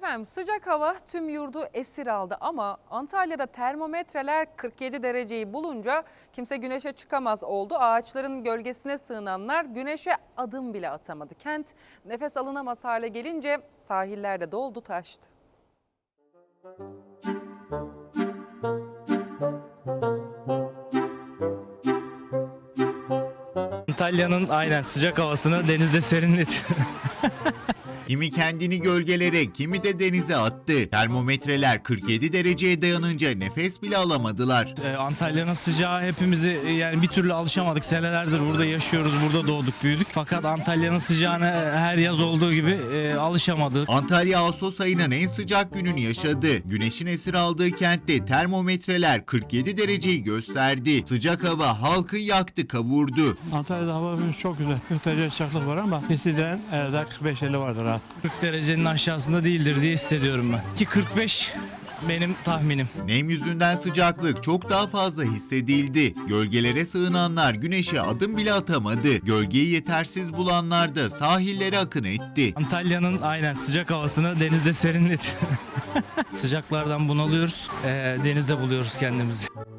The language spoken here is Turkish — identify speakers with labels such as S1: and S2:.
S1: Efendim sıcak hava tüm yurdu esir aldı ama Antalya'da termometreler 47 dereceyi bulunca kimse güneşe çıkamaz oldu. Ağaçların gölgesine sığınanlar güneşe adım bile atamadı. Kent nefes alınamaz hale gelince sahiller de doldu taştı.
S2: Antalya'nın aynen sıcak havasını denizde serinletiyor.
S3: Kimi kendini gölgelere, kimi de denize attı. Termometreler 47 dereceye dayanınca nefes bile alamadılar.
S2: Antalya'nın sıcağı hepimizi yani bir türlü alışamadık. Senelerdir burada yaşıyoruz, burada doğduk, büyüdük. Fakat Antalya'nın sıcağına her yaz olduğu gibi alışamadık.
S3: Antalya Ağustos ayının en sıcak gününü yaşadı. Güneşin esir aldığı kentte termometreler 47 dereceyi gösterdi. Sıcak hava halkı yaktı, kavurdu.
S4: Antalya'da hava çok güzel. 40 derece sıcaklık var ama hisseden evde 45-50 vardır ha.
S2: 40 derecenin aşağısında değildir diye hissediyorum ben. Ki 45 benim tahminim.
S3: Nem yüzünden sıcaklık çok daha fazla hissedildi. Gölgelere sığınanlar güneşe adım bile atamadı. Gölgeyi yetersiz bulanlar da sahillere akın etti.
S2: Antalya'nın aynen sıcak havasını denizde serinletiyor. Sıcaklardan bunalıyoruz, denizde buluyoruz kendimizi.